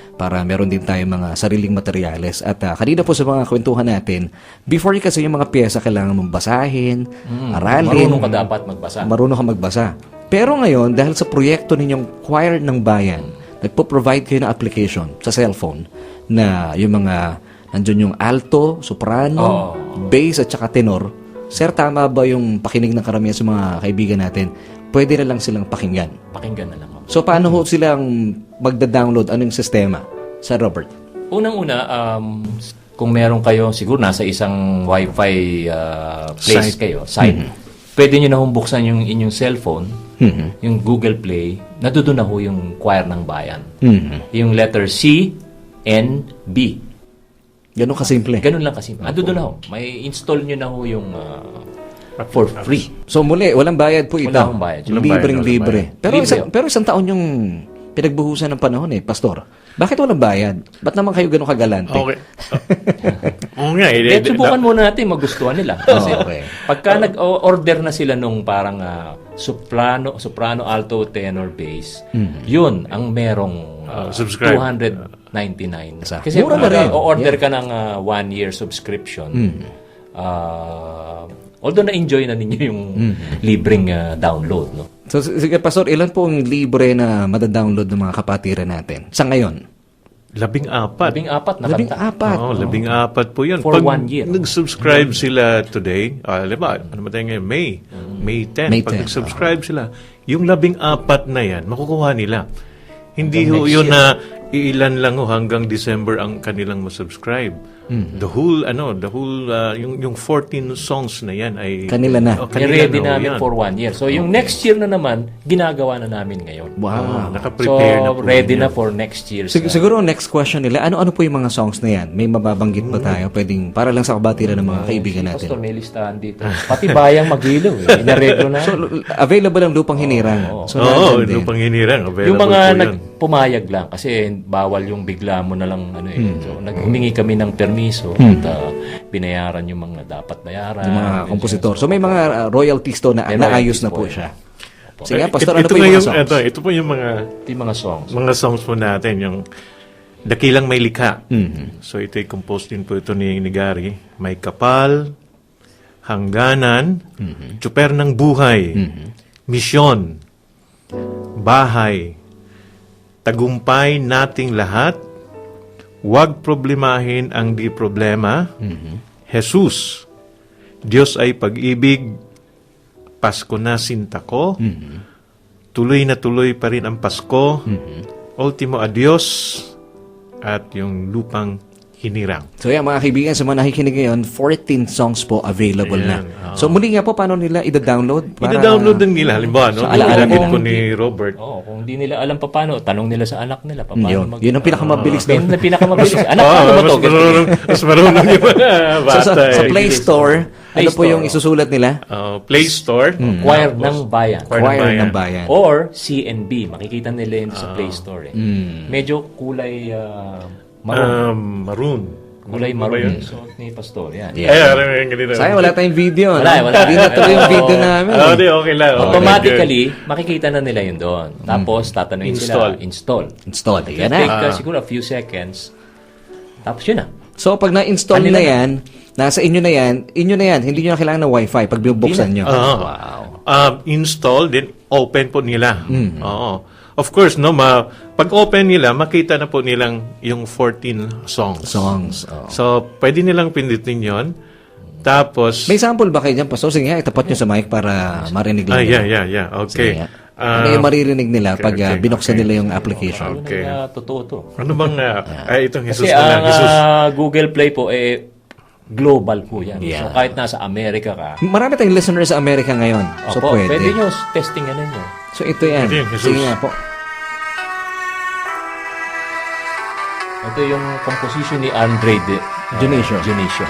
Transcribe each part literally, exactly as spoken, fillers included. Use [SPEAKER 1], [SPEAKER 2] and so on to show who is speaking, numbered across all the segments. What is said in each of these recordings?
[SPEAKER 1] para meron din tayong mga sariling materyales. At uh, kanina po sa mga kwentuhan natin, before kasi yung mga pyesa kailangan mong basahin,
[SPEAKER 2] Mm,
[SPEAKER 1] aralin.
[SPEAKER 2] marunong ka dapat magbasa.
[SPEAKER 1] Marunong ka magbasa. Pero ngayon, dahil sa proyekto ninyong Choir ng Bayan, nagpo-provide kayo ng application sa cellphone na yung mga, nandun yung alto, soprano,
[SPEAKER 2] Oh.
[SPEAKER 1] bass at saka tenor. Sir, tama ba yung pakinig ng karamihan sa mga kaibigan natin? Pwede na lang silang pakinggan.
[SPEAKER 2] Pakinggan na lang ako.
[SPEAKER 1] So, paano ho silang magda-download? Anong sistema? Sa Robert?
[SPEAKER 2] Unang-una, um, kung meron kayo, siguro nasa isang Wi-Fi uh, place
[SPEAKER 3] Site.
[SPEAKER 2] kayo, site, pwede nyo na humbuksan yung inyong cellphone,
[SPEAKER 1] Mhm.
[SPEAKER 2] yung Google Play, nadudo na ho yung Choir ng Bayan.
[SPEAKER 1] Mhm.
[SPEAKER 2] Yung letter C, N, B.
[SPEAKER 1] Ganun kasimple.
[SPEAKER 2] Ganun lang kasi. Nadudo na ho. May install nyo na ho yung uh, for free.
[SPEAKER 1] So, muli, walang bayad po ito.
[SPEAKER 2] Wala akong bayad.
[SPEAKER 3] Walang bayad,
[SPEAKER 1] Libreng-libre.
[SPEAKER 3] walang
[SPEAKER 1] Pero,
[SPEAKER 2] Libre
[SPEAKER 1] isang,
[SPEAKER 2] yun.
[SPEAKER 1] pero isang taon yung pinagbuhusan ng panahon eh, Pastor. Bakit walang bayad? Ba't naman kayo ganun kagalante?
[SPEAKER 3] Okay. Oo nga. Eh,
[SPEAKER 2] Kaya subukan muna natin magustuhan nila. Kasi
[SPEAKER 1] Oh, okay.
[SPEAKER 2] pagka nag-order na sila nung parang ah, soprano, soprano, alto, tenor, bass, yun ang merong ah,
[SPEAKER 3] Ah, subscribe.
[SPEAKER 2] two hundred ninety-nine.
[SPEAKER 1] Sa-
[SPEAKER 2] Kasi
[SPEAKER 1] mura na
[SPEAKER 2] pag
[SPEAKER 1] rin.
[SPEAKER 2] o-order ka ng ah, one-year subscription, ah, although na-enjoy na ninyo yung libreng ah, download, no?
[SPEAKER 1] So, s- sige, Pastor, ilan po ang libre na madadownload ng mga kapatiran natin? Sa ngayon?
[SPEAKER 3] Labing apat.
[SPEAKER 2] Labing apat na
[SPEAKER 1] Labing
[SPEAKER 2] kanta.
[SPEAKER 1] apat.
[SPEAKER 3] Oo, labing apat po yun.
[SPEAKER 2] For
[SPEAKER 3] Pag
[SPEAKER 2] one year.
[SPEAKER 3] nag-subscribe sila today, ah, alam ba, ano ba tayo ngayon? May. May tenth.
[SPEAKER 1] May
[SPEAKER 3] Pag
[SPEAKER 1] tenth,
[SPEAKER 3] nag-subscribe sila, yung labing apat na yan, makukuha nila. Hindi
[SPEAKER 2] Hanggang
[SPEAKER 3] ho
[SPEAKER 2] next
[SPEAKER 3] yun
[SPEAKER 2] year.
[SPEAKER 3] na iilan lang ho hanggang December ang kanilang masubscribe. The whole, ano, the whole, ah, yung, yung fourteen songs na yan ay...
[SPEAKER 1] Kanila na.
[SPEAKER 3] Oh, kanila
[SPEAKER 2] I-ready
[SPEAKER 3] na ho
[SPEAKER 2] namin
[SPEAKER 3] yan.
[SPEAKER 2] for one year. So, yung next year na naman, ginagawa na namin ngayon.
[SPEAKER 3] Oh,
[SPEAKER 1] Wow.
[SPEAKER 3] naka-prepare
[SPEAKER 2] So,
[SPEAKER 3] na po
[SPEAKER 2] ready
[SPEAKER 3] yun.
[SPEAKER 2] na for next year's.
[SPEAKER 1] Sig-
[SPEAKER 2] uh,
[SPEAKER 1] siguro ang next question nila, ano-ano po yung mga songs na yan? May mababanggit ba tayo? Pwedeng, para lang sa kabatiran ng mga kaibigan
[SPEAKER 2] si
[SPEAKER 1] natin.
[SPEAKER 2] Pastor, may listahan dito. Pati bayang Magilo, eh. Inareglo na.
[SPEAKER 1] So, l- available ang lupang hinirang. So,
[SPEAKER 3] Oo, oh,
[SPEAKER 1] nandyan din.
[SPEAKER 3] lupang hinirang. Available
[SPEAKER 2] yung mga
[SPEAKER 3] po yun.
[SPEAKER 2] nagpumayag lang kasi bawal yung bigla mo na lang ano eh.
[SPEAKER 1] Hmm.
[SPEAKER 2] So naghumingi kami ng permiso at uh, binayaran yung mga dapat bayaran.
[SPEAKER 1] Yung mga kompositor. So, may mga uh, royalties to na
[SPEAKER 2] May
[SPEAKER 1] naayos
[SPEAKER 2] royalties
[SPEAKER 1] na
[SPEAKER 2] po
[SPEAKER 1] po
[SPEAKER 2] yan.
[SPEAKER 1] siya. Sige,
[SPEAKER 3] Eh,
[SPEAKER 1] Pastor,
[SPEAKER 3] ito,
[SPEAKER 1] ano
[SPEAKER 3] ito
[SPEAKER 1] po
[SPEAKER 3] nga
[SPEAKER 1] yung mga songs?
[SPEAKER 3] Ito, ito po yung mga
[SPEAKER 2] Ito yung mga songs.
[SPEAKER 3] mga songs po natin, yung Dakilang May Likha.
[SPEAKER 1] Mhm.
[SPEAKER 3] So ito ay composed din po ito ni, ni Gary. May Kapal, Hangganan, Tsuper ng Buhay, Misyon, Bahay, Tagumpay Nating Lahat, Huwag Problemahin ang Di Problema, Jesus, Diyos ay Pag-ibig, Pasko na Sinta Ko, Tuloy na tuloy pa rin ang Pasko, Ultimo Adios, at yung Lupang Hinirang.
[SPEAKER 1] So yan mga kaibigan, sa mga nakikinig ngayon, fourteen songs po available
[SPEAKER 3] Ayan,
[SPEAKER 1] na. So muli nga po, paano nila ida-download? Para-
[SPEAKER 3] Ida-download din nila, halimbawa, no?
[SPEAKER 1] Sa alaala
[SPEAKER 3] Binanggit
[SPEAKER 1] nila.
[SPEAKER 3] po ni Robert.
[SPEAKER 2] Oo, kung hindi nila alam pa paano, tanong nila sa anak nila pa paano
[SPEAKER 1] Yun,
[SPEAKER 2] mag-
[SPEAKER 1] yun ang pinakamabilis
[SPEAKER 2] Yun
[SPEAKER 1] doon.
[SPEAKER 2] ang pinakamabilis. Anak,
[SPEAKER 3] Oo,
[SPEAKER 2] paano ba
[SPEAKER 3] mas
[SPEAKER 2] to?
[SPEAKER 3] marunong, mas marunong yung mga
[SPEAKER 1] So,
[SPEAKER 3] bata.
[SPEAKER 1] sa, sa
[SPEAKER 3] eh.
[SPEAKER 1] Play Store,
[SPEAKER 2] Play
[SPEAKER 1] ano po
[SPEAKER 2] Store,
[SPEAKER 1] yung isusulat nila?
[SPEAKER 3] Uh, Play Store.
[SPEAKER 2] Choir ng Bayan.
[SPEAKER 3] Choir ng
[SPEAKER 1] Choir
[SPEAKER 3] Bayan.
[SPEAKER 1] ng Bayan.
[SPEAKER 2] Or C N B. Makikita nila yun sa Play Store. Eh. Medyo kulay uh, maroon.
[SPEAKER 3] Um, maroon.
[SPEAKER 2] kulay
[SPEAKER 3] Ano ba
[SPEAKER 2] maroon.
[SPEAKER 3] yun?
[SPEAKER 2] So, ni Pastor. Yan.
[SPEAKER 1] Yeah.
[SPEAKER 3] Ay, alam mo yung ganito.
[SPEAKER 1] Sayang, wala tayong video.
[SPEAKER 2] Wala,
[SPEAKER 1] no?
[SPEAKER 2] wala.
[SPEAKER 1] Hindi natuloy yung video namin.
[SPEAKER 3] Ah,
[SPEAKER 1] eh.
[SPEAKER 3] di, okay lang. Okay,
[SPEAKER 2] Automatically, makikita na nila yun doon. Tapos, tatanungin
[SPEAKER 3] Install.
[SPEAKER 2] sila, install.
[SPEAKER 1] Install.
[SPEAKER 2] It
[SPEAKER 1] Yan
[SPEAKER 2] take
[SPEAKER 1] na.
[SPEAKER 2] uh, siguro a few seconds. Tapos yun na.
[SPEAKER 1] So, pag na-install
[SPEAKER 2] Kanila
[SPEAKER 1] na
[SPEAKER 2] na.
[SPEAKER 1] yan, nasa inyo na yan, inyo na yan. Hindi nyo na kailangan ng wifi pag binubuksan nyo.
[SPEAKER 3] Oo.
[SPEAKER 1] Wow.
[SPEAKER 3] Um, install, then open po nila.
[SPEAKER 1] Mm.
[SPEAKER 3] Oo. Of course, no, ma, pag open nila, makita na po nilang yung fourteen songs.
[SPEAKER 1] Songs. oh.
[SPEAKER 3] So, pwede nilang pindutin yon. Tapos,
[SPEAKER 1] May sample ba kayo dyan, Pastor? Sige nga, itapat nyo sa mic para marinig
[SPEAKER 3] ah,
[SPEAKER 1] nila.
[SPEAKER 3] yeah, yeah, yeah.
[SPEAKER 1] Sige
[SPEAKER 3] Okay.
[SPEAKER 1] nga.
[SPEAKER 3] Ah,
[SPEAKER 1] Ano yung maririnig nila
[SPEAKER 3] okay,
[SPEAKER 1] pag uh,
[SPEAKER 3] okay,
[SPEAKER 1] binuksan
[SPEAKER 3] okay.
[SPEAKER 1] nila yung application?
[SPEAKER 3] Okay.
[SPEAKER 2] Yun ang, uh, totoo to.
[SPEAKER 3] ano bang, uh, ay, itong Jesus
[SPEAKER 2] Kasi
[SPEAKER 3] na lang,
[SPEAKER 2] ang
[SPEAKER 3] Jesus.
[SPEAKER 2] uh, Google Play po, eh, global po yan.
[SPEAKER 1] Yeah.
[SPEAKER 2] So, kahit nasa Amerika ka,
[SPEAKER 1] Marami tayong listeners sa Amerika ngayon. So,
[SPEAKER 2] opo,
[SPEAKER 1] pwede.
[SPEAKER 2] pwede nyo testingan ninyo.
[SPEAKER 1] So, ito yan.
[SPEAKER 3] Ito yung Jesus.
[SPEAKER 1] Sige nga po.
[SPEAKER 2] Ito yung composition ni Andre de, uh,
[SPEAKER 1] Dionisio.
[SPEAKER 2] Dionisio.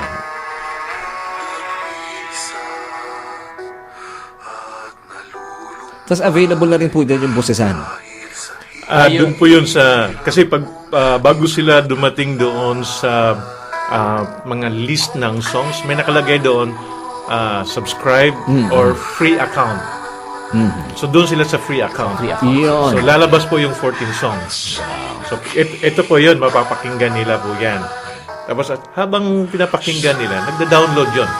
[SPEAKER 1] Tapos available na rin po din yung busesan.
[SPEAKER 3] Ah, doon po yun sa, kasi pag, ah, bago sila dumating doon sa ah, mga list ng songs, may nakalagay doon, ah, subscribe or free account. So doon sila sa free account.
[SPEAKER 2] Free account.
[SPEAKER 1] Yun.
[SPEAKER 3] So lalabas po yung fourteen songs. So it, ito po yun, mapapakinggan nila po yan. Tapos at habang pinapakinggan nila, nagda-download yun.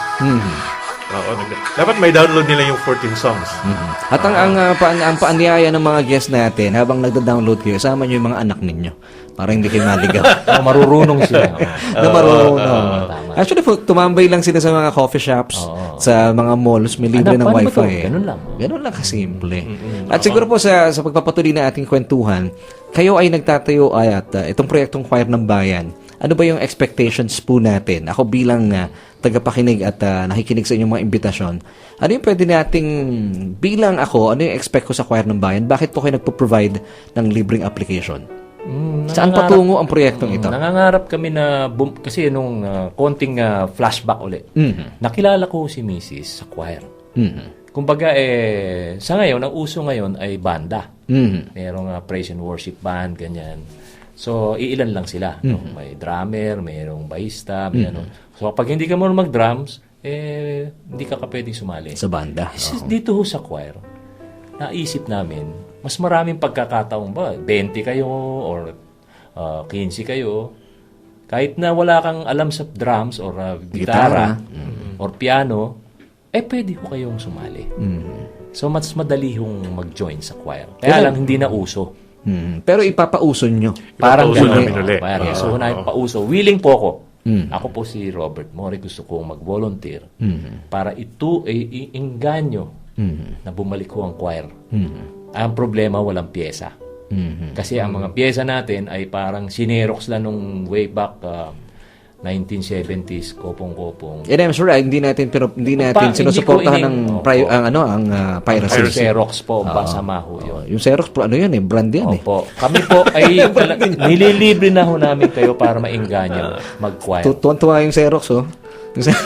[SPEAKER 3] Oo, nagda- dapat may download nila yung fourteen songs.
[SPEAKER 1] At ang, ang, uh, pa, ang paanyaya ng mga guests natin, habang nagda-download kayo, sama nyo yung mga anak ninyo. Para hindi kayo maligaw.
[SPEAKER 2] Oh, marurunong sila.
[SPEAKER 1] na marunong. Actually, po, tumambay lang sila sa mga coffee shops, sa mga malls, may libre
[SPEAKER 2] Ano,
[SPEAKER 1] ng
[SPEAKER 2] paano ba
[SPEAKER 1] wifi.
[SPEAKER 2] to?
[SPEAKER 1] Eh.
[SPEAKER 2] Ganun lang.
[SPEAKER 1] Ganun lang kasimple. At siguro po sa, sa pagpapatuloy na ating kwentuhan, kayo ay nagtatayo ay at uh, itong proyektong Choir ng Bayan. Ano ba yung expectations po natin? Ako bilang uh, tagapakinig at uh, nakikinig sa inyong mga imbitasyon, ano yung pwede nating, bilang ako, ano yung expect ko sa Choir ng Bayan? Bakit po kayo nagpo-provide ng libreng application?
[SPEAKER 2] Mm,
[SPEAKER 1] Saan
[SPEAKER 2] nangangarap-
[SPEAKER 1] patungo ang proyektong ito?
[SPEAKER 2] Nangangarap kami na, bum- kasi nung uh, konting uh, flashback ulit,
[SPEAKER 1] Mhm.
[SPEAKER 2] nakilala ko si Missus sa choir.
[SPEAKER 1] Mhm.
[SPEAKER 2] Kumbaga, eh, sa ngayon, ang uso ngayon ay banda.
[SPEAKER 1] Mhm.
[SPEAKER 2] Merong uh, praise and worship band, ganyan. So, iilan lang sila. No? May drummer, mayroong bahista, may ano. So, pag hindi ka marunong mag-drums, eh, hindi ka ka pwedeng sumali.
[SPEAKER 1] Sa banda.
[SPEAKER 2] Is- Dito ho sa choir, naisip namin, mas maraming pagkakataon ba? twenty kayo or uh, fifteen kayo. Kahit na wala kang alam sa drums or uh, gitara or piano, eh pwede ho kayong sumali. So, mas madali hong mag-join sa choir. Kaya lang, hindi na uso.
[SPEAKER 1] Mhm. Pero ipapauso nyo.
[SPEAKER 2] Parang
[SPEAKER 3] Ipapauso
[SPEAKER 2] gano'n.
[SPEAKER 3] namin ulit.
[SPEAKER 2] Oh, parang,
[SPEAKER 3] Oo.
[SPEAKER 2] so, na pauso. Willing po ako. Ako po si Robert Mori. Gusto kong mag-volunteer para ito ay iinganyo na bumalik ko ang choir. Ang problema, walang pyesa. Kasi ang mga pyesa natin ay parang sinerox lang nung way back uh, nineteen seventies, kopong-kopong.
[SPEAKER 1] And I'm sure ah, hindi natin pero hindi natin
[SPEAKER 2] Pa-
[SPEAKER 1] sinusuportahan ng
[SPEAKER 2] hindi ko ining-
[SPEAKER 1] pri-
[SPEAKER 2] Opo.
[SPEAKER 1] ang ano ang uh, piracy.
[SPEAKER 2] Pero Xerox po, basama ho yun.
[SPEAKER 1] Yung Xerox pro ano yan eh, brand yan eh.
[SPEAKER 2] Opo. Kami po ay tala- nililibre na ho namin kayo para maingganyo mag-choir.
[SPEAKER 1] Tu- Tuwan-tuwa yung Xerox oh. Yung Xe-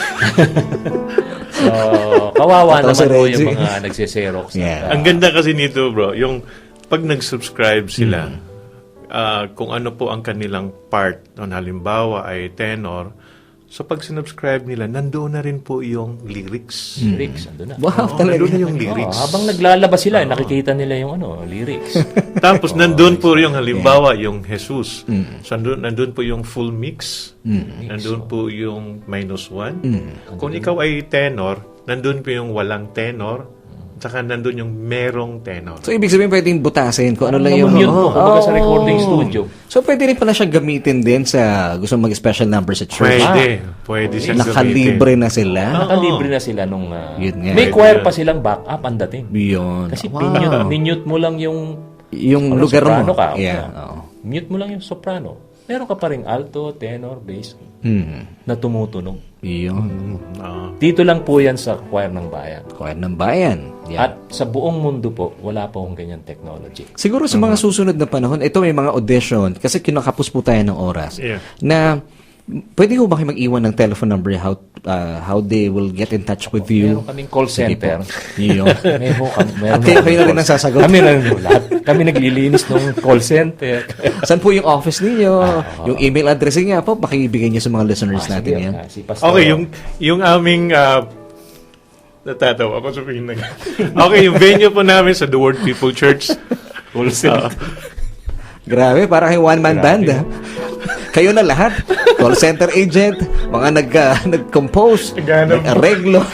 [SPEAKER 2] So, kawawa
[SPEAKER 1] Pataw si
[SPEAKER 2] naman po
[SPEAKER 1] Reggie.
[SPEAKER 2] yung mga nagsiserox.
[SPEAKER 1] Yeah.
[SPEAKER 3] Ang ganda kasi nito, bro, yung pag nag-subscribe sila, ah, kung ano po ang kanilang part, no, halimbawa ay tenor, so pag sinubscribe nila, nandoon na rin po yung lyrics.
[SPEAKER 2] Lyrics, ando na.
[SPEAKER 1] Wow,
[SPEAKER 3] Oo,
[SPEAKER 1] talaga.
[SPEAKER 3] nandoon na yung
[SPEAKER 2] Oh,
[SPEAKER 3] lyrics.
[SPEAKER 2] habang naglalabas sila, eh, nakikita nila yung ano, lyrics.
[SPEAKER 3] Tapos nandun po yung halimbawa yung Jesus. So nandun, nandun po yung full mix. Nandun po yung minus one. Kung ikaw ay tenor, nandun po yung walang tenor. Tsaka nandun yung merong tenor.
[SPEAKER 1] So ibig sabihin pwedeng butasin kung ano lang yung
[SPEAKER 2] Yun po,
[SPEAKER 1] Oo.
[SPEAKER 2] kumbaga sa
[SPEAKER 1] Oh.
[SPEAKER 2] recording studio.
[SPEAKER 1] So pwede rin pala siya gamitin din sa gusto mag-special number sa church.
[SPEAKER 3] Pwede. Pwede siyang
[SPEAKER 1] Nakalibre na sila.
[SPEAKER 2] Nakalibre na sila nung... uh,
[SPEAKER 1] Yun nga.
[SPEAKER 2] may
[SPEAKER 3] Pwede
[SPEAKER 2] choir
[SPEAKER 3] yan.
[SPEAKER 2] pa silang backup ang dating.
[SPEAKER 1] Beyond.
[SPEAKER 2] Kasi
[SPEAKER 1] Wow.
[SPEAKER 2] minute, minute mo lang yung...
[SPEAKER 1] Yung
[SPEAKER 2] ano,
[SPEAKER 1] lugar
[SPEAKER 2] soprano
[SPEAKER 1] mo.
[SPEAKER 2] Ka,
[SPEAKER 1] Yeah.
[SPEAKER 2] ano,
[SPEAKER 1] Oo.
[SPEAKER 2] Mute mo lang yung soprano. Meron ka pa rin alto, tenor, bass
[SPEAKER 1] Hmm.
[SPEAKER 2] na tumutunog.
[SPEAKER 1] Yun.
[SPEAKER 3] Ah.
[SPEAKER 2] Dito lang po yan sa choir ng bayan.
[SPEAKER 1] Choir ng bayan. Yeah.
[SPEAKER 2] At sa buong mundo po, wala pa akong ganyan technology.
[SPEAKER 1] Siguro sa mga susunod na panahon, ito may mga audition, kasi kinakapos po tayo ng oras,
[SPEAKER 3] Yeah.
[SPEAKER 1] na pwede ko ba kayo mag-iwan ng telephone number how uh, how they will get in touch with you?
[SPEAKER 2] Meron kaming call
[SPEAKER 1] Sige po.
[SPEAKER 2] center.
[SPEAKER 1] Yun.
[SPEAKER 2] May ho, kami, meron
[SPEAKER 1] At kayo,
[SPEAKER 2] ho
[SPEAKER 1] kayo na rin
[SPEAKER 2] call-
[SPEAKER 1] ang sasagot.
[SPEAKER 2] Kami na rin ho lahat. Kami naglilinis ng call center.
[SPEAKER 1] Saan po yung office ninyo? Yung email address niya po, pakibigay niyo sa mga listeners
[SPEAKER 2] Ah,
[SPEAKER 1] natin
[SPEAKER 2] sige,
[SPEAKER 1] yan.
[SPEAKER 2] ah, si Pastor.
[SPEAKER 3] Okay, yung yung aming uh, natatawa ako sabihin na. Okay, yung venue po namin sa The Word People Church.
[SPEAKER 2] call center.
[SPEAKER 1] Grabe, para kay one-man band. ah. Kayo na lahat. Call center agent, mga nag, uh, nag-compose,
[SPEAKER 3] Naghanap.
[SPEAKER 1] nag-areglo.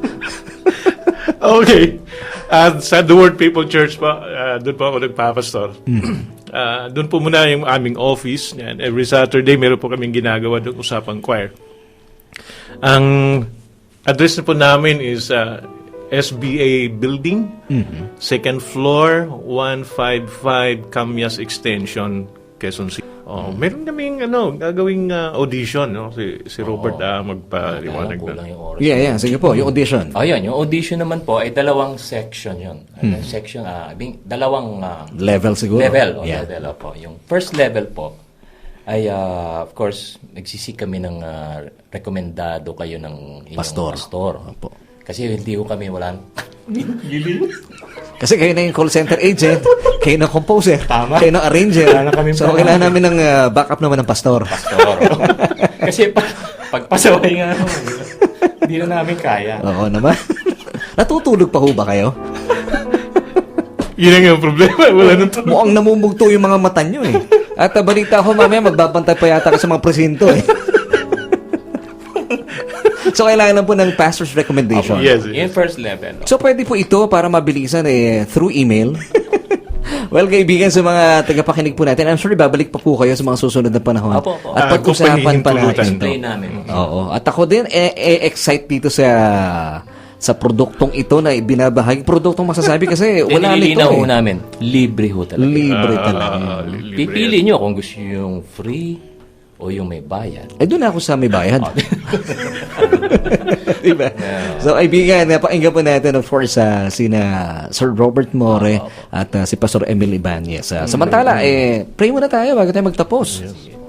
[SPEAKER 3] Okay. At sa The Word People Church pa, uh, doon po ako nagpapastor. Uh, doon po muna yung aming office. Yan. Every Saturday, meron po kaming ginagawa doon usapang choir. Ang address na po namin is uh, S B A Building, second floor, one fifty-five Camyas Extension, Quezon City. Oh, meron kaming ano, gagawing uh, audition, no? Si si Robert ah magpaliwanag
[SPEAKER 2] Kaya
[SPEAKER 3] na.
[SPEAKER 2] kulang yung oras.
[SPEAKER 1] Yeah, yeah. Sige po, yung audition.
[SPEAKER 2] Oh, yun. Yung audition naman po ay dalawang section yun. Ano, Section, ah, bing- dalawang ah,
[SPEAKER 1] Level siguro.
[SPEAKER 2] level. Oh,
[SPEAKER 1] Yeah.
[SPEAKER 2] level po. Yung first level po ay, ah, of course, nagsisik kami ng ah, rekomendado kayo ng inyong
[SPEAKER 1] Pastor.
[SPEAKER 2] pastor.
[SPEAKER 1] Opo.
[SPEAKER 2] Kasi hindi ko kami walang...
[SPEAKER 1] Kasi kayo na yung call center agent, kayo na composer,
[SPEAKER 2] Tama.
[SPEAKER 1] kayo na arranger.
[SPEAKER 2] Wala na kaming
[SPEAKER 1] So,
[SPEAKER 2] problema.
[SPEAKER 1] kailangan namin ng uh, backup naman ng pastor.
[SPEAKER 2] pastor. Kasi pag, pagpasaway nga, ano, hindi na namin kaya.
[SPEAKER 1] Oo naman. Natutulog pa ho ba kayo?
[SPEAKER 3] Yun ang yung problema. Wala nang tulog.
[SPEAKER 1] Mukhang namumugto yung mga mata nyo eh. At uh, balita ko mamaya, magbabantay pa yata ka sa mga presinto eh. So, kailangan lang po ng pastor's recommendation.
[SPEAKER 3] Yes.
[SPEAKER 2] Yung first level.
[SPEAKER 1] So, pwede po ito para mabilisan eh, through email. Well, kaibigan, sa mga tagapakinig po natin, I'm sure babalik pa po kayo sa mga susunod na panahon.
[SPEAKER 2] Apo, apo.
[SPEAKER 1] At
[SPEAKER 3] Ah,
[SPEAKER 1] pag-usapan pa
[SPEAKER 3] kung
[SPEAKER 1] natin ito.
[SPEAKER 2] Explain namin.
[SPEAKER 1] Oo. At ako din, eh, eh, excite dito sa sa produktong ito na binabahagi. Produktong masasabi kasi wala nito
[SPEAKER 2] Nililinaw ho
[SPEAKER 1] eh.
[SPEAKER 2] namin, libre ho talaga.
[SPEAKER 1] Libre talaga.
[SPEAKER 3] Ah, libre.
[SPEAKER 2] Pipili nyo kung gusto nyo yung free o yung may bayad.
[SPEAKER 1] Eh, doon ako sa may bayad. Diba? So, kaibigan, napakinggan po natin, of course, uh, sina Sir Robert More at uh, si Pastor Emil Ibanez. Uh, samantala, eh, pray muna tayo bago tayo magtapos.